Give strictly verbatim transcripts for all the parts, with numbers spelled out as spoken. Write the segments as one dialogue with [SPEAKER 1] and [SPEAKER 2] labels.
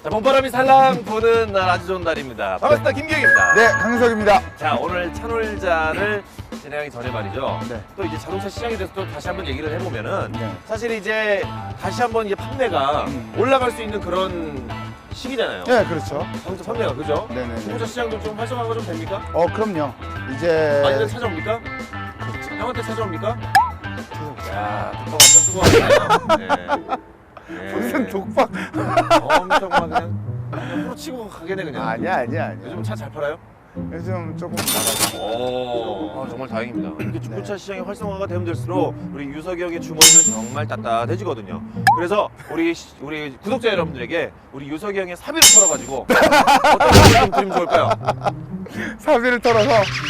[SPEAKER 1] 자, 봄바람이 살랑 부는 날 아주 좋은 날입니다. 반갑습니다. 김기영입니다.
[SPEAKER 2] 네, 강석입니다.
[SPEAKER 1] 자, 오늘 차놀자를 진행하기 전에 말이죠.
[SPEAKER 2] 네.
[SPEAKER 1] 또 이제 자동차 시장에 대해서 또 다시 한번 얘기를 해보면은
[SPEAKER 2] 네.
[SPEAKER 1] 사실 이제 다시 한번 이제 판매가
[SPEAKER 2] 음.
[SPEAKER 1] 올라갈 수 있는 그런 시기잖아요.
[SPEAKER 2] 네, 그렇죠.
[SPEAKER 1] 자동차 판매가 그죠?
[SPEAKER 2] 네네.
[SPEAKER 1] 중고차 시장도 좀 활성화가 좀 됩니까?
[SPEAKER 2] 어, 그럼요. 이제
[SPEAKER 1] 많이들 찾아옵니까?
[SPEAKER 2] 그렇죠.
[SPEAKER 1] 형한테 찾아옵니까?
[SPEAKER 2] 찾아오죠.
[SPEAKER 1] 야, 독박 엄청 쓰고 왔네요. 네. 네.
[SPEAKER 2] 무슨 독박?
[SPEAKER 1] 엄청 막 그냥 그냥 후로 치고 가게네 그냥.
[SPEAKER 2] 아니야, 아니야, 아니야.
[SPEAKER 1] 요즘 차 잘 팔아요?
[SPEAKER 2] 요즘 조금 나가죠.
[SPEAKER 1] 오, 아, 정말 다행입니다. 이렇게 중고차 시장이 활성화가 되면 될수록 우리 유석이 형의 주머니는 정말 따뜻해지거든요. 그래서 우리 시- 우리 구독자 여러분들에게 우리 유석이 형의 사비를 털어가지고 어떤 걸 좀 드리면 좋을까요?
[SPEAKER 2] 사비를 털어서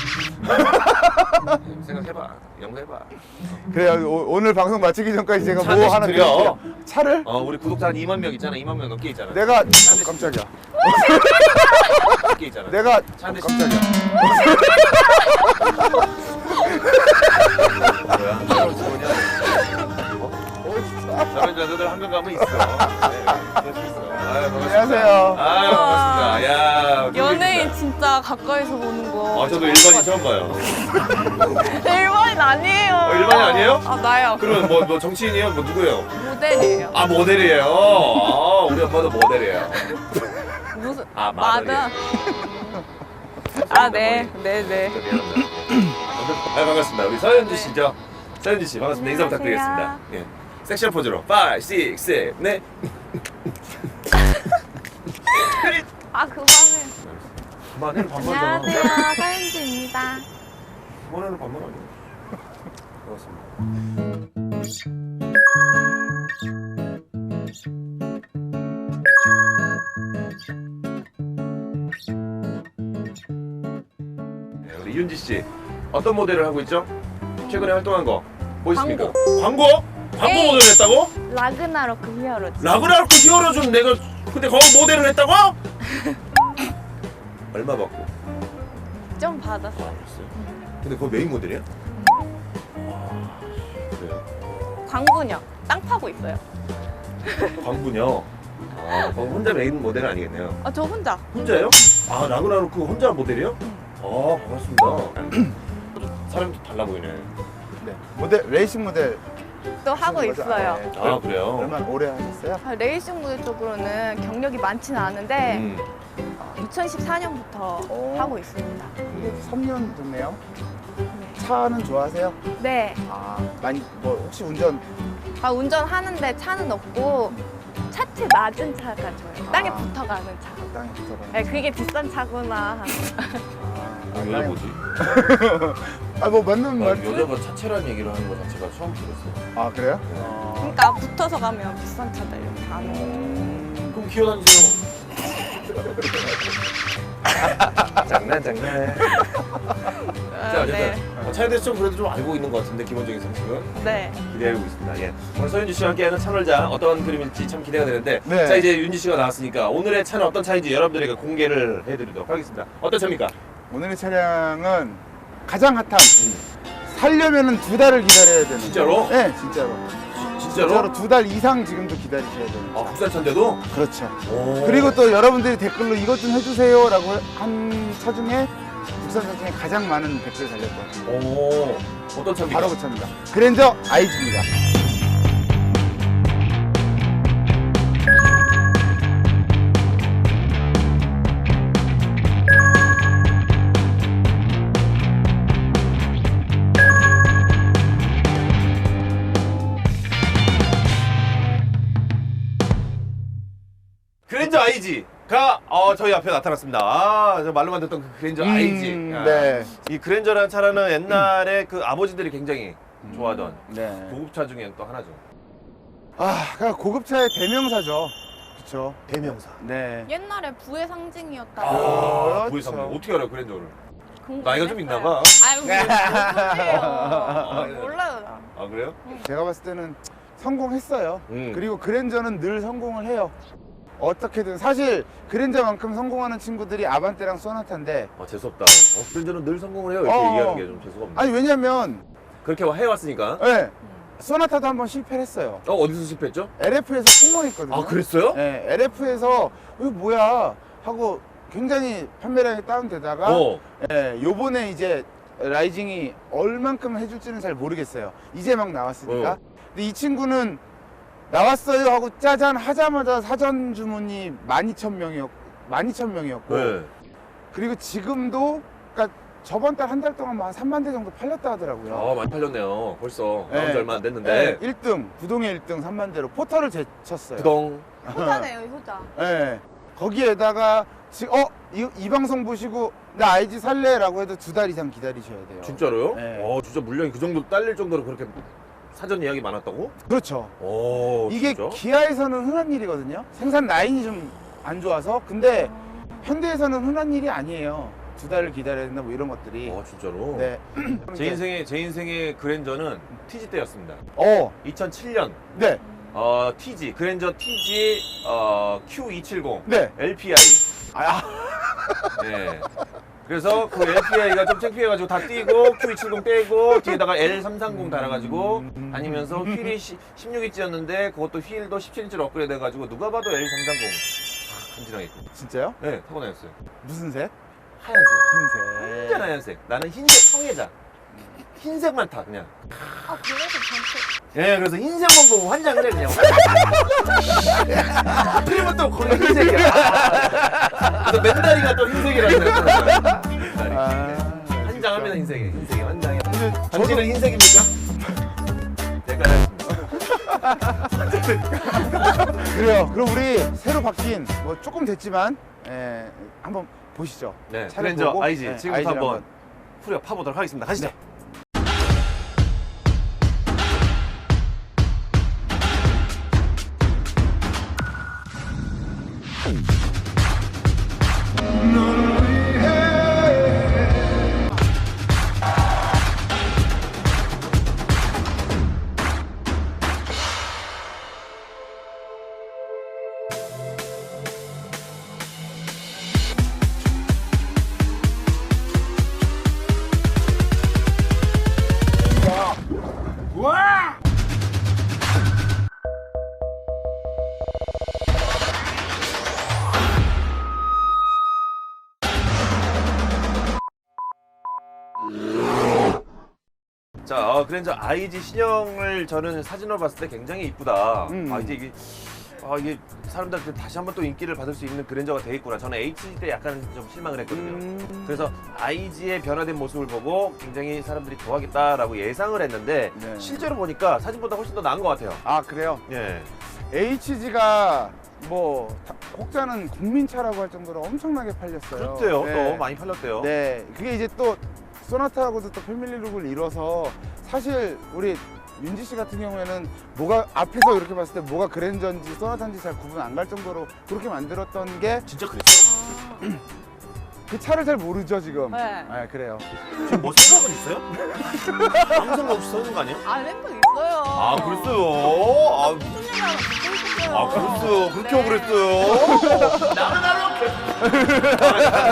[SPEAKER 1] 생각해봐, 연구해봐.
[SPEAKER 2] 그래요. 오, 오늘 방송 마치기 전까지 제가
[SPEAKER 1] 차
[SPEAKER 2] 뭐
[SPEAKER 1] 대신
[SPEAKER 2] 하나
[SPEAKER 1] 드려.
[SPEAKER 2] 드릴게요. 차를?
[SPEAKER 1] 어, 우리 구독자 한 이만 명 있잖아, 이만 명 넘게 있잖아.
[SPEAKER 2] 내가 어, 깜짝이야.
[SPEAKER 1] 넘게 있잖아.
[SPEAKER 2] 내가
[SPEAKER 1] 차
[SPEAKER 2] 어,
[SPEAKER 1] 대신
[SPEAKER 2] 깜짝이야.
[SPEAKER 1] 뭐야? 저런 뭐냐? 어? 저런 자들 한 명 가면 있어. 네, 그럴 수 있어. 아유, 반갑습니다.
[SPEAKER 2] 안녕하세요.
[SPEAKER 1] 아유, 반갑습니다. 야,
[SPEAKER 3] 연예인 진짜 가까이서 보는 거.
[SPEAKER 1] 아, 저도 일반인 처음 봐요.
[SPEAKER 3] 일반인 아니에요.
[SPEAKER 1] 어, 일반인 아니에요?
[SPEAKER 3] 아, 나요.
[SPEAKER 1] 그러면 뭐, 뭐 정치인이에요? 뭐 누구예요?
[SPEAKER 3] 모델이에요.
[SPEAKER 1] 아, 모델이에요. 아, 우리 엄마도 모델이에요.
[SPEAKER 3] 무슨?
[SPEAKER 1] 아,
[SPEAKER 3] 마다.
[SPEAKER 1] 마들이에요.
[SPEAKER 3] 아, 네. 네, 네.
[SPEAKER 1] 미안합니다. 아, 반갑습니다. 우리 서현주 씨죠? 서현주 씨, 반갑습니다. 인사
[SPEAKER 3] 안녕하세요.
[SPEAKER 1] 부탁드리겠습니다. 예. 섹시한 포즈로 오, 육, 칠, 네.
[SPEAKER 3] 아, 그만해.
[SPEAKER 1] 그만해, 반말잖아.
[SPEAKER 3] 안녕하세요. 서윤지입니다.
[SPEAKER 1] 그만해는 반말 아니에요. 반갑습니다. 네, 우리 윤지 씨 어떤 모델을 하고 있죠? 최근에 활동한 거 뭐 있습니까? 광고? 광고
[SPEAKER 3] 네.
[SPEAKER 1] 모델을 했다고?
[SPEAKER 3] 라그나로크 히어로즈.
[SPEAKER 1] 라그나로크 히어로즈는 내가 근데 거기 모델을 했다고? 얼마 받고?
[SPEAKER 3] 좀 받았어요.
[SPEAKER 1] 알았어요. 근데 그거 메인 모델이야? 아, 그래요.
[SPEAKER 3] 광분요. 땅 파고 있어요.
[SPEAKER 1] 광분요. 아, 그럼 혼자 메인 모델은 아니겠네요.
[SPEAKER 3] 아, 저 혼자.
[SPEAKER 1] 혼자요? 아, 라그나로크 혼자 모델이요? 아, 반갑습니다. 사람이 좀 달라 보이네.
[SPEAKER 2] 네. 모델 레이싱 모델
[SPEAKER 3] 또 하고
[SPEAKER 2] 하시는 거죠?
[SPEAKER 3] 있어요.
[SPEAKER 2] 네.
[SPEAKER 1] 아, 그래요?
[SPEAKER 2] 얼마나 오래 하셨어요?
[SPEAKER 3] 아, 레이싱 모델 쪽으로는 경력이 많지는 않은데
[SPEAKER 1] 음.
[SPEAKER 3] 이천십사 년부터
[SPEAKER 2] 오.
[SPEAKER 3] 하고 있습니다.
[SPEAKER 1] 음.
[SPEAKER 2] 삼 년 됐네요. 차는 좋아하세요?
[SPEAKER 3] 네.
[SPEAKER 2] 아, 많이 뭐 혹시 운전
[SPEAKER 3] 아, 운전하는데 차는 없고 차체 낮은 차가 좋아요. 땅에
[SPEAKER 2] 아.
[SPEAKER 3] 붙어가는 차.
[SPEAKER 2] 땅에 붙어가는
[SPEAKER 3] 네, 그게 비싼 차구나.
[SPEAKER 2] 아,
[SPEAKER 1] 아, 여자 뭐지?
[SPEAKER 2] 아, 뭐 맞는
[SPEAKER 1] 나
[SPEAKER 2] 말.
[SPEAKER 1] 여자가 차체란 얘기를 하는 거 자체가 처음 들었어요.
[SPEAKER 2] 아, 그래요? 어.
[SPEAKER 3] 그러니까 붙어서 가면 비싼 차들 이렇게 안 오고.
[SPEAKER 1] 음, 그럼 기어다니세요. 장난 장난. 자,
[SPEAKER 3] 아,
[SPEAKER 1] 어쨌든
[SPEAKER 3] 네.
[SPEAKER 1] 어, 차에 대해서 좀 그래도 좀 알고 있는 것 같은데 기본적인 상식은
[SPEAKER 3] 네.
[SPEAKER 1] 기대하고 있습니다. 예. 오늘 서윤지 씨와 함께하는 차놀자 어떤 그림일지 참 기대가 되는데
[SPEAKER 2] 네.
[SPEAKER 1] 자 이제 윤지 씨가 나왔으니까 오늘의 차는 어떤 차인지 여러분들에게 공개를 해드리도록 하겠습니다. 어떤 차입니까?
[SPEAKER 2] 오늘의 차량은 가장 핫한
[SPEAKER 1] 음.
[SPEAKER 2] 살려면은 두 달을 기다려야 되는.
[SPEAKER 1] 진짜로?
[SPEAKER 2] 네, 진짜로.
[SPEAKER 1] 진짜로?
[SPEAKER 2] 진짜로 두 달 이상 지금도 기다리셔야 되는.
[SPEAKER 1] 아 국산차인데도?
[SPEAKER 2] 그렇죠.
[SPEAKER 1] 오.
[SPEAKER 2] 그리고 또 여러분들이 댓글로 이것 좀 해주세요라고 한 차 중에 국산차 중에 가장 많은 댓글 달렸던
[SPEAKER 1] 오. 어떤 차입니까?
[SPEAKER 2] 바로 그 차입니다. 그랜저 아이지입니다.
[SPEAKER 1] 그랜저 아이지가 어, 저희 앞에 나타났습니다. 아, 저 말로만 듣던 그 그랜저 아이지.
[SPEAKER 2] 음,
[SPEAKER 1] 야.
[SPEAKER 2] 네.
[SPEAKER 1] 이 그랜저라는 차는 옛날에 그 아버지들이 굉장히 좋아하던
[SPEAKER 2] 네.
[SPEAKER 1] 고급차 중에 또 하나죠.
[SPEAKER 2] 아, 그냥 고급차의 대명사죠. 그렇죠.
[SPEAKER 1] 대명사.
[SPEAKER 2] 네.
[SPEAKER 3] 옛날에 부의 상징이었다.
[SPEAKER 1] 아,
[SPEAKER 2] 그렇죠.
[SPEAKER 1] 보이상 어떻게 알아요 그랜저를?
[SPEAKER 3] 궁금했어요.
[SPEAKER 1] 나이가 좀 있나 봐.
[SPEAKER 3] 아유, 무슨 소리예요. 몰라요, 나.
[SPEAKER 1] 아 그래요?
[SPEAKER 2] 제가 봤을 때는 성공했어요.
[SPEAKER 1] 음.
[SPEAKER 2] 그리고 그랜저는 늘 성공을 해요. 어떻게든 사실 그랜저만큼 성공하는 친구들이 아반떼랑 소나타인데
[SPEAKER 1] 아 재수없다. 어, 그랜저는 늘 성공을 해요. 이렇게
[SPEAKER 2] 어.
[SPEAKER 1] 얘기하는 게 좀 재수가 없네.
[SPEAKER 2] 아니 왜냐면
[SPEAKER 1] 그렇게 해왔으니까.
[SPEAKER 2] 네, 소나타도 한번 실패를 했어요.
[SPEAKER 1] 어, 어디서 실패했죠?
[SPEAKER 2] 엘에프에서 폭망했거든요.
[SPEAKER 1] 아, 그랬어요?
[SPEAKER 2] 네, 엘에프에서 이거 뭐야 하고 굉장히 판매량이 다운되다가
[SPEAKER 1] 어.
[SPEAKER 2] 예, 요번에 이제 라이징이 얼만큼 해줄지는 잘 모르겠어요. 이제 막 나왔으니까.
[SPEAKER 1] 어.
[SPEAKER 2] 근데 이 친구는 나왔어요 하고 짜잔 하자마자 사전 주문이 만 이천 명이었고, 만 이천 명이었고
[SPEAKER 1] 네.
[SPEAKER 2] 그리고 지금도 그러니까 저번 달 한 달 동안 한 삼만 대 정도 팔렸다 하더라고요.
[SPEAKER 1] 아, 많이 팔렸네요. 벌써.
[SPEAKER 2] 네.
[SPEAKER 1] 나온 지 얼마 안 됐는데.
[SPEAKER 2] 네, 일 등, 부동의 일 등 삼만 대로 포털을 제쳤어요.
[SPEAKER 1] 구동.
[SPEAKER 3] 효자네요, 효자.
[SPEAKER 2] 네. 거기에다가 지금 어? 이, 이 방송 보시고 나 아이지 살래라고 해도 두 달 이상 기다리셔야 돼요.
[SPEAKER 1] 진짜로요?
[SPEAKER 2] 네.
[SPEAKER 1] 어, 진짜 물량이 그 정도 딸릴 정도로 그렇게 사전 예약이 많았다고?
[SPEAKER 2] 그렇죠.
[SPEAKER 1] 오,
[SPEAKER 2] 이게
[SPEAKER 1] 진짜?
[SPEAKER 2] 기아에서는 흔한 일이거든요. 생산 라인이 좀 안 좋아서. 근데 현대에서는 흔한 일이 아니에요. 두 달을 기다려야 된다 뭐 이런 것들이.
[SPEAKER 1] 어, 진짜로?
[SPEAKER 2] 네.
[SPEAKER 1] 제 인생의 제 인생의 그랜저는 티지 때였습니다.
[SPEAKER 2] 어,
[SPEAKER 1] 이천칠 년
[SPEAKER 2] 네,
[SPEAKER 1] 어, 티지 그랜저 티지 어, 큐 이백칠십
[SPEAKER 2] 네.
[SPEAKER 1] 엘피아이.
[SPEAKER 2] 아,
[SPEAKER 1] 네. 그래서 그 엘피아이가 좀 창피해가지고 다 띄고 큐 이백칠십 떼고 뒤에다가 엘 삼백삼십 달아가지고 다니면서 휠이 십육 인치였는데 그것도 휠도 십칠 인치로 업그레이드 해가지고 누가 봐도 엘 삼백삼십 간지나게 있고.
[SPEAKER 2] 진짜요?
[SPEAKER 1] 네, 타고 다녔어요.
[SPEAKER 2] 무슨 색?
[SPEAKER 1] 하얀색.
[SPEAKER 2] 흰색.
[SPEAKER 1] 완전 하얀색. 나는 흰색 성애자. 흰색만 타 그냥.
[SPEAKER 3] 아, 그래서 전체.
[SPEAKER 1] 예, 그래서 흰색만 보고 환장을 해 그냥. 그러면 또 거기 흰색이야. 아, 그래서 맨다리가 또 흰색이라고 생각하는 거야.
[SPEAKER 2] 아,
[SPEAKER 1] 환장합니다 흰색이. 흰색이 환장해.
[SPEAKER 2] 근데
[SPEAKER 1] 전지는 흰색입니까? 색깔.
[SPEAKER 2] 그래요. 그럼 우리 새로 바뀐 뭐 조금 됐지만 예, 한번 보시죠.
[SPEAKER 1] 네,
[SPEAKER 2] 차를
[SPEAKER 1] 그랜저
[SPEAKER 2] 보고,
[SPEAKER 1] 아이지
[SPEAKER 2] 네,
[SPEAKER 1] 지금부터
[SPEAKER 2] 아이지를
[SPEAKER 1] 한번 후려 파보도록 하겠습니다. 가시죠.
[SPEAKER 2] 네. 와!
[SPEAKER 1] 자, 어, 그랜저 아이지 신형을 저는 사진으로 봤을 때 굉장히 이쁘다.
[SPEAKER 2] 음.
[SPEAKER 1] 아, 이제 이게, 아, 이게 사람들한테 다시 한번 또 인기를 받을 수 있는 그랜저가 돼 있구나. 저는 에이치지 때 약간 좀 실망을 했거든요.
[SPEAKER 2] 음.
[SPEAKER 1] 그래서 아이지의 변화된 모습을 보고 굉장히 사람들이 좋아하겠다라고 예상을 했는데
[SPEAKER 2] 네.
[SPEAKER 1] 실제로 보니까 사진보다 훨씬 더 나은 것 같아요.
[SPEAKER 2] 아, 그래요?
[SPEAKER 1] 예.
[SPEAKER 2] 에이치지가 뭐 다- 혹자는 국민차라고 할 정도로 엄청나게 팔렸어요.
[SPEAKER 1] 그렇대요.
[SPEAKER 2] 네.
[SPEAKER 1] 또 많이 팔렸대요.
[SPEAKER 2] 네, 그게 이제 또 소나타하고도 또 패밀리룩을 이뤄서 사실 우리 윤지 씨 같은 경우에는 뭐가 앞에서 이렇게 봤을 때 뭐가 그랜저인지 소나타인지 잘 구분 안 갈 정도로 그렇게 만들었던 게 그
[SPEAKER 1] 진짜 그랬어?
[SPEAKER 2] 차를 잘 모르죠 지금.
[SPEAKER 3] 네.
[SPEAKER 2] 아, 그래요.
[SPEAKER 1] 지금 뭐 생각은 있어요? 아무 생각 없이 서는 거 아니에요?
[SPEAKER 3] 아, 램프 있어요.
[SPEAKER 1] 아, 그랬어요. 아,
[SPEAKER 3] 무슨 얘기 하나 듣고 있었어요.
[SPEAKER 1] 아, 그랬어요. 그렇게
[SPEAKER 3] 네.
[SPEAKER 1] 그랬어요. 나는 나는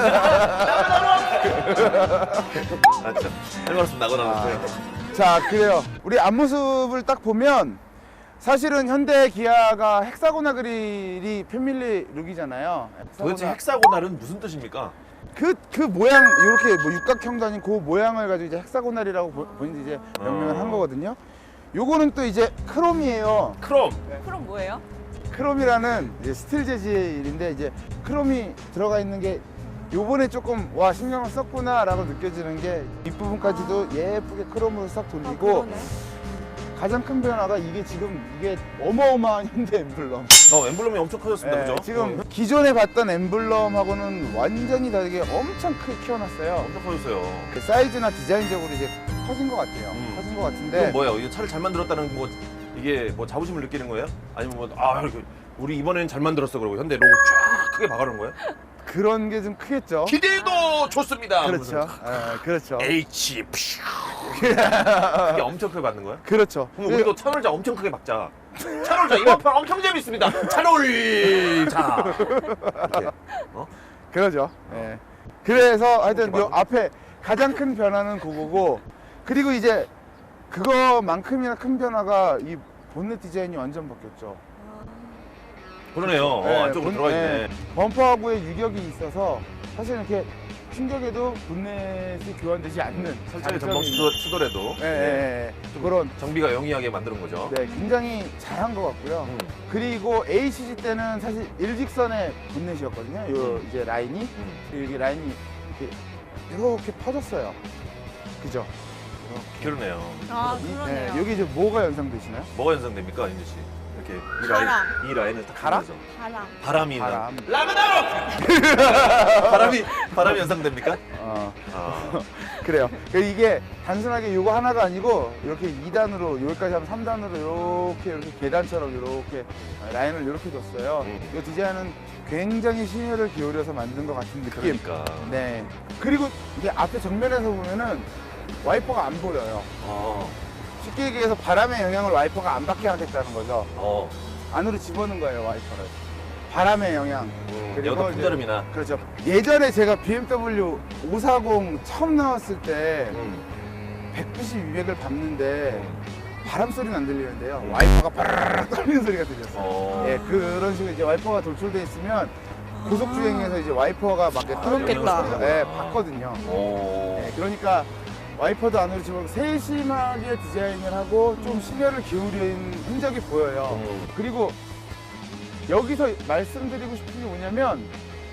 [SPEAKER 1] 아, 참. 할 말씀 나고 나왔어요.
[SPEAKER 2] 자, 그래요. 우리 앞모습을 딱 보면 사실은 현대 기아가 헥사고나 그릴이 패밀리 룩이잖아요.
[SPEAKER 1] 도대체
[SPEAKER 2] 헥사고나-
[SPEAKER 1] 헥사고날은 무슨 뜻입니까?
[SPEAKER 2] 그, 그 모양, 이렇게 뭐 육각형도 아닌 그 모양을 가지고 이제 헥사고날이라고 보- 본인이 이제 명명을 한
[SPEAKER 1] 어.
[SPEAKER 2] 거거든요. 요거는 또 이제 크롬이에요.
[SPEAKER 1] 크롬.
[SPEAKER 3] 그럼 뭐예요?
[SPEAKER 2] 크롬이라는 이제 스틸 재질인데 이제 크롬이 들어가 있는 게 요번에 조금 와 신경을 썼구나 라고 느껴지는 게 뒷부분까지도 예쁘게 크롬으로 싹
[SPEAKER 3] 아,
[SPEAKER 2] 돌리고
[SPEAKER 3] 그러네.
[SPEAKER 2] 가장 큰 변화가 이게 지금 이게 어마어마한 현대 엠블럼.
[SPEAKER 1] 어, 엠블럼이 엄청 커졌습니다.
[SPEAKER 2] 네,
[SPEAKER 1] 그죠?
[SPEAKER 2] 지금
[SPEAKER 1] 어,
[SPEAKER 2] 기존에 봤던 엠블럼하고는 완전히 다르게 엄청 크게 키워놨어요.
[SPEAKER 1] 엄청 커졌어요.
[SPEAKER 2] 그 사이즈나 디자인적으로 이제 커진 것 같아요.
[SPEAKER 1] 음.
[SPEAKER 2] 커진 것 같은데.
[SPEAKER 1] 이건 뭐예요? 이게 차를 잘 만들었다는 뭐 이게 뭐 자부심을 느끼는 거예요? 아니면 뭐 아, 이렇게 우리 이번에는 잘 만들었어 그러고 현대 로고 쫙 크게 박아놓은 거예요?
[SPEAKER 2] 그런 게 좀 크겠죠.
[SPEAKER 1] 기대도 좋습니다.
[SPEAKER 2] 그렇죠. 예, 그렇죠.
[SPEAKER 1] H 퓨. 그게 엄청 크게 받는 거야?
[SPEAKER 2] 그렇죠.
[SPEAKER 1] 그럼 우리도 차놀자 엄청 크게 박자. 차놀자 이번 편 엄청 재밌습니다. 차놀자. 이렇게. 어?
[SPEAKER 2] 그러죠. 예. 그래서 하여튼
[SPEAKER 1] 이렇게
[SPEAKER 2] 요 앞에 가장 큰 변화는 그거고, 그리고 이제 그거만큼이나 큰 변화가 이 본넷 디자인이 완전 바뀌었죠.
[SPEAKER 1] 그러네요. 어,
[SPEAKER 2] 네,
[SPEAKER 1] 안쪽으로
[SPEAKER 2] 본-
[SPEAKER 1] 들어가 있네.
[SPEAKER 2] 네, 범퍼하고의 유격이 있어서 사실 이렇게 충격에도 본넷이 교환되지 않는
[SPEAKER 1] 설정에
[SPEAKER 2] 장점이
[SPEAKER 1] 전방
[SPEAKER 2] 있는-
[SPEAKER 1] 수도, 도래도
[SPEAKER 2] 네, 네, 네. 그런
[SPEAKER 1] 정비가 영리하게 만드는 거죠.
[SPEAKER 2] 네, 굉장히 잘한 것 같고요.
[SPEAKER 1] 음.
[SPEAKER 2] 그리고 에이씨지 때는 사실 일직선의 본넷이었거든요. 요
[SPEAKER 1] 음.
[SPEAKER 2] 이제 라인이
[SPEAKER 1] 음.
[SPEAKER 2] 그리고 이게 라인이 이렇게, 이렇게 퍼졌어요. 그죠?
[SPEAKER 1] 그러네요.
[SPEAKER 3] 아,
[SPEAKER 2] 이-
[SPEAKER 3] 그러네요.
[SPEAKER 2] 네, 여기 이제 뭐가 연상되시나요?
[SPEAKER 1] 뭐가 연상됩니까, 인주 씨? 이렇게 이
[SPEAKER 3] 바람.
[SPEAKER 1] 라인, 이 라인을 딱
[SPEAKER 2] 가라?
[SPEAKER 1] 그려서.
[SPEAKER 3] 바람.
[SPEAKER 1] 바람이
[SPEAKER 2] 바람.
[SPEAKER 1] 라그나로! 바람이 바람이 연상됩니까?
[SPEAKER 2] 어,
[SPEAKER 1] 아,
[SPEAKER 2] 그래요. 그 이게 단순하게 요거 하나가 아니고 이렇게 이 단으로 여기까지 하면 삼 단으로 이렇게 이렇게 계단처럼 이렇게 라인을 이렇게 뒀어요.
[SPEAKER 1] 음.
[SPEAKER 2] 이 디자인은 굉장히 심혈을 기울여서 만든 것 같은 느낌.
[SPEAKER 1] 그러니까.
[SPEAKER 2] 네. 그리고 이게 앞에 정면에서 보면은 와이퍼가 안 보여요.
[SPEAKER 1] 어,
[SPEAKER 2] 쉽게 얘기해서 바람의 영향을 와이퍼가 안 받게 하겠다는 거죠.
[SPEAKER 1] 어,
[SPEAKER 2] 안으로 집어넣은 거예요, 와이퍼를. 바람의 영향.
[SPEAKER 1] 음,
[SPEAKER 2] 그리고
[SPEAKER 1] 여도
[SPEAKER 2] 이제-
[SPEAKER 1] 풍절음이나.
[SPEAKER 2] 그렇죠. 예전에 제가 비엠더블유 오백사십 처음 나왔을 때
[SPEAKER 1] 음.
[SPEAKER 2] 백구십, 이백을 밟는데 바람 소리는 안 들리는데요. 와이퍼가 바르르 떨리는 소리가 들렸어요.
[SPEAKER 1] 어.
[SPEAKER 2] 예, 그런 식으로 이제 와이퍼가 돌출돼 있으면 고속 주행에서 이제 와이퍼가 막 이렇게 떨리는
[SPEAKER 3] 그렇겠다.
[SPEAKER 2] 소리가 예, 봤거든요.
[SPEAKER 1] 오.
[SPEAKER 2] 예, 그러니까 와이퍼도 안으로 집어 세심하게 디자인을 하고 좀 심혈을 기울인 흔적이 보여요.
[SPEAKER 1] 음.
[SPEAKER 2] 그리고 여기서 말씀드리고 싶은 게 뭐냐면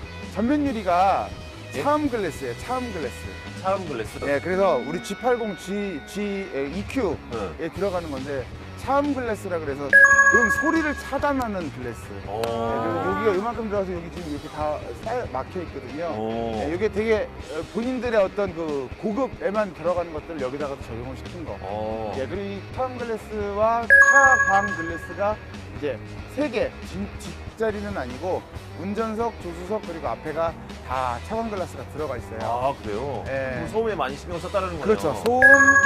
[SPEAKER 2] 전면 유리가
[SPEAKER 1] 예?
[SPEAKER 2] 차음 글래스예요. 차음 글래스.
[SPEAKER 1] 차음 글래스.
[SPEAKER 2] 네, 그래서 우리 지 팔십, G, G, 이큐에
[SPEAKER 1] 네.
[SPEAKER 2] 들어가는 건데 차음 글래스라 그래서 음 소리를 차단하는 글래스. 네,
[SPEAKER 1] 오.
[SPEAKER 2] 그리고 여기가 이만큼 들어가서 여기 지금 이렇게 다 쌓여- 막혀 있거든요.
[SPEAKER 1] 오.
[SPEAKER 2] 네, 이게 되게 어, 본인들의 어떤 그 고급에만 들어가는 것들을 여기다가 적용을 시킨 거.
[SPEAKER 1] 어.
[SPEAKER 2] 예, 그리고 이 차음 글래스와 차광 글래스가 이제 세 개, 뒷자리는 아니고 운전석, 조수석 그리고 앞에가 다 차광 글라스가 들어가 있어요.
[SPEAKER 1] 아, 그래요?
[SPEAKER 2] 예.
[SPEAKER 1] 그럼 소음에 많이 신경 썼다는 거예요.
[SPEAKER 2] 그렇죠. 소음,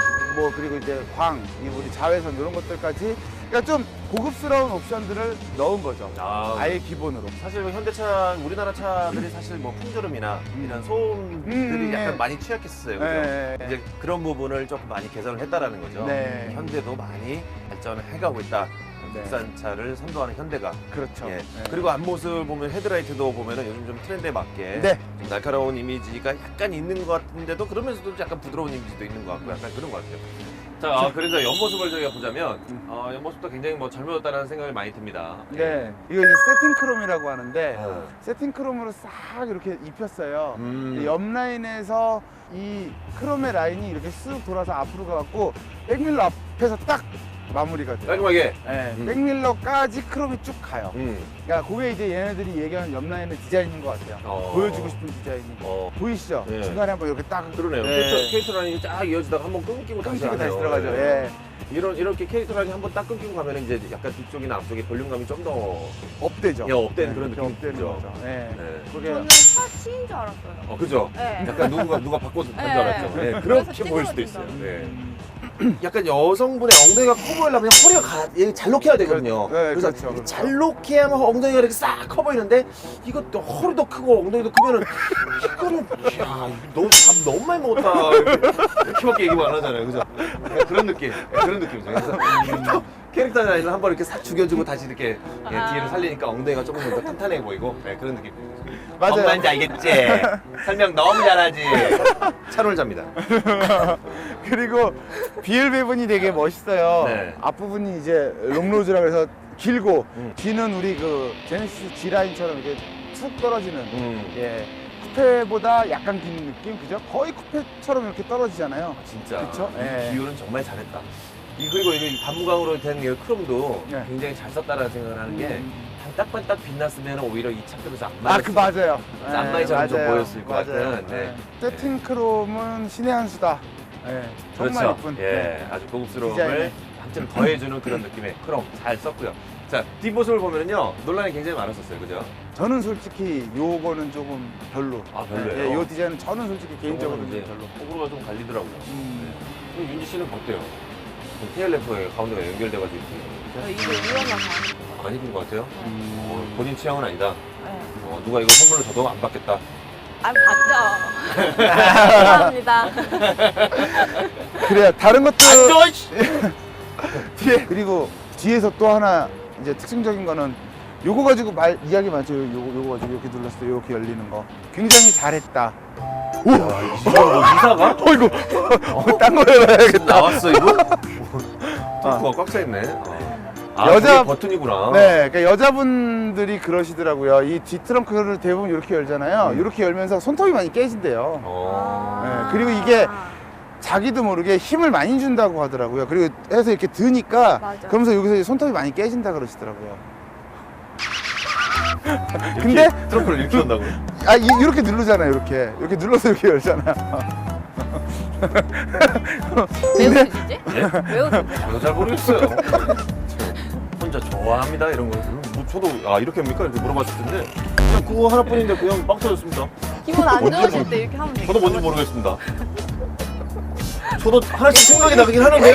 [SPEAKER 2] 뭐 그리고 이제 광, 이 우리 자외선 이런 것들까지 그러니까 좀 고급스러운 옵션들을 넣은 거죠.
[SPEAKER 1] 아,
[SPEAKER 2] 아예 기본으로.
[SPEAKER 1] 사실 뭐 현대차, 우리나라 차들이 사실 뭐 풍절음이나
[SPEAKER 2] 음.
[SPEAKER 1] 이런 소음들이
[SPEAKER 2] 음,
[SPEAKER 1] 약간
[SPEAKER 2] 네.
[SPEAKER 1] 많이 취약했었어요. 그죠?
[SPEAKER 2] 네.
[SPEAKER 1] 이제 그런 부분을 조금 많이 개선을 했다라는 거죠.
[SPEAKER 2] 네.
[SPEAKER 1] 현대도 많이 발전을 해가고 있다.
[SPEAKER 2] 네.
[SPEAKER 1] 국산차를 선도하는 현대가.
[SPEAKER 2] 그렇죠.
[SPEAKER 1] 예.
[SPEAKER 2] 네.
[SPEAKER 1] 그리고 앞모습 보면 헤드라이트도 보면은 요즘 좀 트렌드에 맞게
[SPEAKER 2] 네.
[SPEAKER 1] 좀 날카로운 이미지가 약간 있는 것 같은데도 그러면서도 약간 부드러운 이미지도 있는 것 같고 약간 그런 것 같아요. 자, 아, 그래서 옆모습을 저희가 보자면 어, 옆모습도 굉장히 뭐 젊어졌다는 생각이 많이 듭니다.
[SPEAKER 2] 네. 이거 이제 세팅 크롬이라고 하는데
[SPEAKER 1] 어.
[SPEAKER 2] 세팅 크롬으로 싹 이렇게 입혔어요.
[SPEAKER 1] 음.
[SPEAKER 2] 옆 라인에서 이 크롬의 라인이 이렇게 쓱 돌아서 앞으로 가갖고 백밀러 앞에서 딱 마무리가 돼요.
[SPEAKER 1] 깔끔하게.
[SPEAKER 2] 네,
[SPEAKER 1] 음.
[SPEAKER 2] 백밀러까지 크롬이 쭉 가요.
[SPEAKER 1] 음.
[SPEAKER 2] 그러니까 그게 이제 얘네들이 얘기하는 옆 라인의 디자인인 것 같아요.
[SPEAKER 1] 어.
[SPEAKER 2] 보여주고 싶은 디자인이.
[SPEAKER 1] 어.
[SPEAKER 2] 보이시죠?
[SPEAKER 1] 네.
[SPEAKER 2] 중간에 한번 이렇게 딱
[SPEAKER 1] 그러네요.
[SPEAKER 2] 네.
[SPEAKER 1] 케이스, 케이스 라인이 쫙 이어지다가 한번 끊기고 다시
[SPEAKER 2] 끊기고 다시
[SPEAKER 1] 하네요.
[SPEAKER 2] 들어가죠.
[SPEAKER 1] 네.
[SPEAKER 2] 예.
[SPEAKER 1] 이런 이렇게 케이스 라인이 한번 딱 끊기고 가면 이제 약간 뒤쪽이나 앞쪽에 볼륨감이 좀 더
[SPEAKER 2] 업되죠.
[SPEAKER 1] 예, 업되는 그런
[SPEAKER 2] 이렇게
[SPEAKER 1] 느낌이
[SPEAKER 2] 업되는
[SPEAKER 1] 들죠.
[SPEAKER 2] 거죠. 네.
[SPEAKER 1] 네.
[SPEAKER 2] 그게
[SPEAKER 3] 저는 차 치인 줄 알았어요.
[SPEAKER 1] 어, 그죠?
[SPEAKER 3] 네.
[SPEAKER 1] 약간 누군가 누가 바꿔서 줄
[SPEAKER 3] 네.
[SPEAKER 1] 알았죠. 네,
[SPEAKER 3] 그래서
[SPEAKER 1] 그렇게 보일 수도 있어요.
[SPEAKER 3] 찌그러진다.
[SPEAKER 1] 네.
[SPEAKER 2] 음,
[SPEAKER 1] 약간 여성분의 엉덩이가 커 보이려면 허리가 가, 얘 잘 녹해야 되거든요.
[SPEAKER 2] 그- 네,
[SPEAKER 1] 그래서
[SPEAKER 2] 그렇죠, 그렇죠.
[SPEAKER 1] 잘 녹해야만 엉덩이가 이렇게 싹 커 보이는데 이것도 허리도 크고 엉덩이도 크면은 이거는 야 너무 밥 너무 많이 먹었다 이렇게, 이렇게밖에 얘기 안 하잖아요, 그죠? 약간 그런 느낌, 네, 그런 느낌이죠. 그래서 캐릭터 캐릭터 라인을 한번 이렇게 싹 죽여주고 다시 이렇게 예,
[SPEAKER 3] 아.
[SPEAKER 1] 뒤를 살리니까 엉덩이가 조금 더 탄탄해 보이고 네, 그런 느낌.
[SPEAKER 2] 맞아요.
[SPEAKER 1] 뭔 말인지 알겠지? 설명 너무 잘하지. 차놀자입니다.
[SPEAKER 2] 그리고 비엘 배분이 되게 멋있어요.
[SPEAKER 1] 네.
[SPEAKER 2] 앞부분이 이제 롱로즈라 그래서 길고
[SPEAKER 1] 음.
[SPEAKER 2] 뒤는 우리 그 제네시스 G 라인처럼 이렇게 툭 떨어지는
[SPEAKER 1] 음.
[SPEAKER 2] 예. 쿠페보다 약간 긴 느낌 그죠? 거의 쿠페처럼 이렇게 떨어지잖아요.
[SPEAKER 1] 진짜.
[SPEAKER 2] 그쵸?
[SPEAKER 1] 이
[SPEAKER 2] 예.
[SPEAKER 1] 비율은 정말 잘했다. 이 그리고 이거 반무광으로 된 이 크롬도
[SPEAKER 2] 네.
[SPEAKER 1] 굉장히 잘 썼다라는 생각을 하는 게
[SPEAKER 2] 음.
[SPEAKER 1] 반딱반딱 빛났으면 오히려 이 차급에서 안
[SPEAKER 2] 아, 그 맞아요.
[SPEAKER 1] 쌈마이처럼 좀
[SPEAKER 2] 맞아요.
[SPEAKER 1] 보였을 것
[SPEAKER 2] 맞아요.
[SPEAKER 1] 같은, 네.
[SPEAKER 2] 세팅 크롬은 신의 한 수다. 예. 정말
[SPEAKER 1] 그렇죠.
[SPEAKER 2] 예쁜.
[SPEAKER 1] 예,
[SPEAKER 2] 네.
[SPEAKER 1] 아주 고급스러움을
[SPEAKER 2] 디자인에.
[SPEAKER 1] 한점 더해주는 그런 느낌의 크롬 잘 썼고요. 자, 뒷모습을 보면은요 논란이 굉장히 많았었어요, 그죠?
[SPEAKER 2] 저는 솔직히 요거는 조금 별로.
[SPEAKER 1] 아, 별로예요?
[SPEAKER 2] 예, 요 디자인은 저는 솔직히 개인적으로
[SPEAKER 1] 이제
[SPEAKER 2] 좀 별로.
[SPEAKER 1] 호불호가 좀 갈리더라고요.
[SPEAKER 2] 음.
[SPEAKER 1] 네. 그럼 윤지 씨는 어때요? 테일램프에 가운데가 연결돼가지고 이렇게
[SPEAKER 3] 이게 위험하다.
[SPEAKER 1] 안 입은 것 같아요?
[SPEAKER 2] 음.
[SPEAKER 1] 어, 본인 취향은 아니다.
[SPEAKER 3] 네.
[SPEAKER 1] 어, 누가 이거 선물로 줘도 안 받겠다.
[SPEAKER 3] 아, 봤죠. 감사합니다.
[SPEAKER 2] 그래요. 다른 것도
[SPEAKER 1] 앉아, 이씨.
[SPEAKER 2] 뒤에 그리고 뒤에서 또 하나 이제 특징적인 거는 요거 가지고 말 이야기 많죠. 요거 요거 가지고 이렇게 눌렀을 때 이렇게 열리는 거 굉장히 잘했다. 오,
[SPEAKER 1] 야, 이 이거 뭐 이사가?
[SPEAKER 2] 어이구, 어, 딴 거 해봐야겠다.
[SPEAKER 1] 나왔어 이거? 탱크가 꽉 차 있네. 아,
[SPEAKER 2] 여자-
[SPEAKER 1] 여자 버튼이구나.
[SPEAKER 2] 네, 그러니까 여자분들이 그러시더라고요. 이 뒤 트렁크를 대부분 이렇게 열잖아요.
[SPEAKER 1] 음.
[SPEAKER 2] 이렇게 열면서 손톱이 많이 깨진대요.
[SPEAKER 1] 어.
[SPEAKER 2] 네, 그리고 이게 자기도 모르게 힘을 많이 준다고 하더라고요. 그리고 해서 이렇게 드니까
[SPEAKER 3] 맞아.
[SPEAKER 2] 그러면서 여기서 손톱이 많이 깨진다 그러시더라고요.
[SPEAKER 1] 이렇게
[SPEAKER 2] 근데
[SPEAKER 1] 트렁크를 이렇게 한다고.
[SPEAKER 2] 아 이, 이렇게 누르잖아요. 이렇게 이렇게 눌러서 이렇게 열잖아요.
[SPEAKER 3] 왜
[SPEAKER 2] 근데
[SPEAKER 3] 웃으시지? 왜 웃으세요?
[SPEAKER 1] 저도 잘 모르겠어요. 혼자 좋아합니다 이런 거. 뭐 저도 아 이렇게 합니까 이렇게 물어봤을 텐데 그냥 그거 하나뿐인데 그냥 빵 터졌습니다.
[SPEAKER 3] 기분 안
[SPEAKER 1] 뭔지
[SPEAKER 3] 좋으실
[SPEAKER 1] 모르-
[SPEAKER 3] 때 이렇게 하면 되겠죠.
[SPEAKER 1] 저도 뭔지 모르겠습니다. 저도 하나씩 생각이 나긴 하는데요.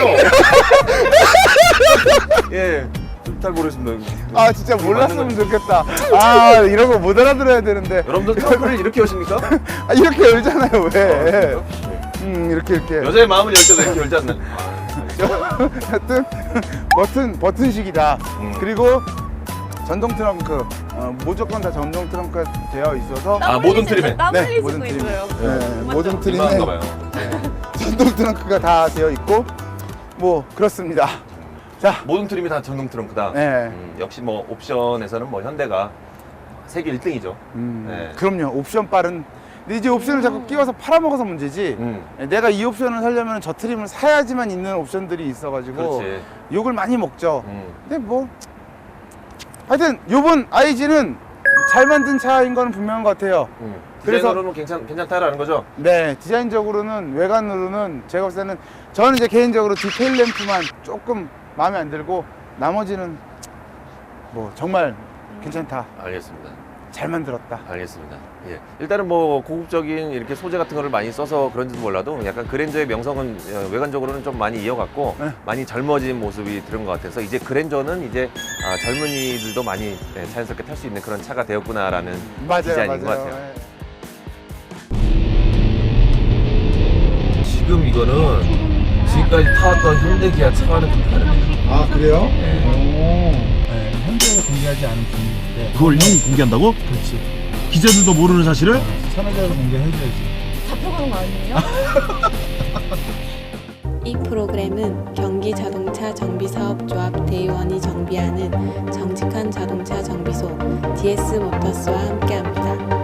[SPEAKER 1] 예, 잘 모르겠습니다.
[SPEAKER 2] 아 진짜
[SPEAKER 1] 그게
[SPEAKER 2] 몰랐으면
[SPEAKER 1] 맞는
[SPEAKER 2] 좋겠다. 아 이런 거 못 알아들어야 되는데.
[SPEAKER 1] 여러분들 트렁크를 이렇게 여십니까?
[SPEAKER 2] 아 이렇게 열잖아요. 왜?
[SPEAKER 1] 아,
[SPEAKER 2] 음 이렇게 이렇게.
[SPEAKER 1] 여자의 마음을 열 때도 이렇게 열지 않나요?
[SPEAKER 2] 하여튼 버튼 버튼식이다.
[SPEAKER 1] 음.
[SPEAKER 2] 그리고 전동 트렁크 어, 무조건 다 전동 트렁크가 되어 있어서
[SPEAKER 1] 아, 모든 트림에.
[SPEAKER 3] 땀
[SPEAKER 2] 네,
[SPEAKER 3] 흘리시고
[SPEAKER 2] 모든 트림.
[SPEAKER 3] 있어요.
[SPEAKER 2] 네, 모든 트림에
[SPEAKER 1] 민망한가 봐요.
[SPEAKER 2] 전동 트렁크가 다 되어 있고 뭐 그렇습니다. 자,
[SPEAKER 1] 모든 트림이 다 전동 트렁크다.
[SPEAKER 2] 네.
[SPEAKER 1] 음, 역시 뭐 옵션에서는 뭐 현대가 세계 일 등이죠.
[SPEAKER 2] 음,
[SPEAKER 1] 네.
[SPEAKER 2] 그럼요. 옵션 빨은. 근데 이제 옵션을 자꾸 끼워서 팔아먹어서 문제지.
[SPEAKER 1] 음,
[SPEAKER 2] 내가 이 옵션을 사려면 저 트림을 사야지만 있는 옵션들이 있어가지고
[SPEAKER 1] 그렇지.
[SPEAKER 2] 욕을 많이 먹죠.
[SPEAKER 1] 음.
[SPEAKER 2] 근데 뭐 하여튼 요번 아이지는 잘 만든 차인 건 분명한 것 같아요.
[SPEAKER 1] 음.
[SPEAKER 2] 그래서-
[SPEAKER 1] 디자인으로는 괜찮, 괜찮다라는 거죠?
[SPEAKER 2] 네, 디자인적으로는 외관으로는 제가 봤을 때는 저는 이제 개인적으로 디테일 램프만 조금 마음에 안 들고 나머지는 뭐 정말 괜찮다.
[SPEAKER 1] 알겠습니다.
[SPEAKER 2] 잘 만들었다.
[SPEAKER 1] 알겠습니다. 예. 일단은 뭐 고급적인 이렇게 소재 같은 거를 많이 써서 그런지도 몰라도 약간 그랜저의 명성은 어, 외관적으로는 좀 많이 이어갔고
[SPEAKER 2] 네.
[SPEAKER 1] 많이 젊어진 모습이 들은 것 같아서 이제 그랜저는 이제 아, 젊은이들도 많이 네, 자연스럽게 탈 수 있는 그런 차가 되었구나라는
[SPEAKER 2] 맞아요,
[SPEAKER 1] 디자인인 것
[SPEAKER 2] 맞아요.
[SPEAKER 1] 같아요.
[SPEAKER 2] 예.
[SPEAKER 1] 지금 이거는 지금까지 타왔던 현대 기아 차와는 좀 다릅니다.
[SPEAKER 2] 아 그래요?
[SPEAKER 1] 네.
[SPEAKER 2] 오. 네, 현재는 공개하지 않은 분인데.
[SPEAKER 4] 그걸 형이 공개한다고?
[SPEAKER 2] 그렇지.
[SPEAKER 4] 기자들도 모르는 사실을?
[SPEAKER 2] 천하자로 공개해줘야지.
[SPEAKER 3] 잡혀가는 거 아니에요?
[SPEAKER 5] 이 프로그램은 경기자동차정비사업조합 대의원이 정비하는 정직한 자동차 정비소 디에스 모터스와 함께합니다.